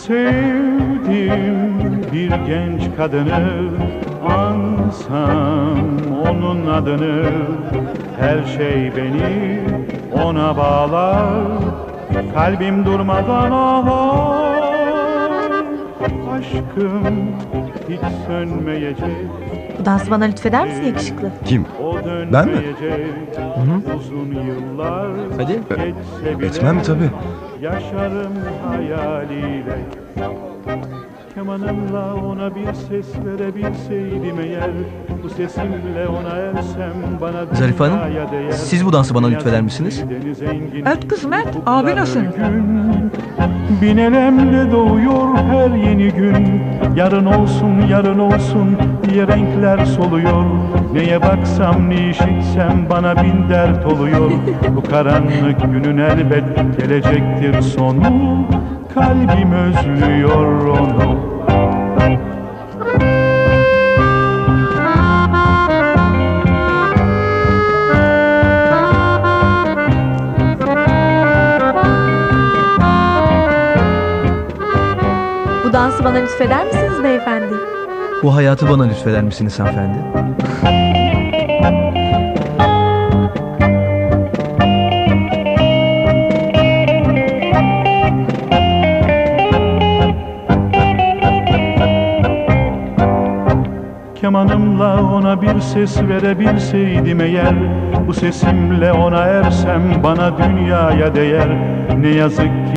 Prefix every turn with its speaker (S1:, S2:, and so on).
S1: Sevdim bir genç kadını, ansam onun adını. Her şey beni ona bağlar, kalbim durmadan ağlar. Aşkım hiç sönmeyecek.
S2: Bu dansı bana lütfeder misin yakışıklı?
S3: Kim?
S1: O
S3: Ben mi?
S1: dönmeyecek. Uzun yıllar
S3: Hadi.
S1: geçse bile
S3: Etmem tabii.
S1: yaşarım hayaliyle. Kemanımla ona bir ses verebilseydim eğer, bu sesimle ona ersem bana
S4: Zarife Hanım,
S1: dünyaya değer.
S4: siz bu dansı bana lütfeder misiniz?
S1: Deniz engin,
S5: Et kızım et. Abi nasıl?
S1: gün, bin elemle doğuyor her yeni gün. Yarın olsun, yarın olsun diye renkler soluyor. Neye baksam, ne işitsem bana bin dert oluyor. Bu karanlık günün elbet gelecektir sonu. Kalbim özlüyor onu.
S2: Bu dansı bana lütfeder misiniz beyefendi?
S4: Bu hayatı bana lütfeder misiniz hanımefendi?
S1: Kemanımla ona bir ses verebilseydim eğer, bu sesimle ona ersem bana dünyaya değer. Ne yazık ki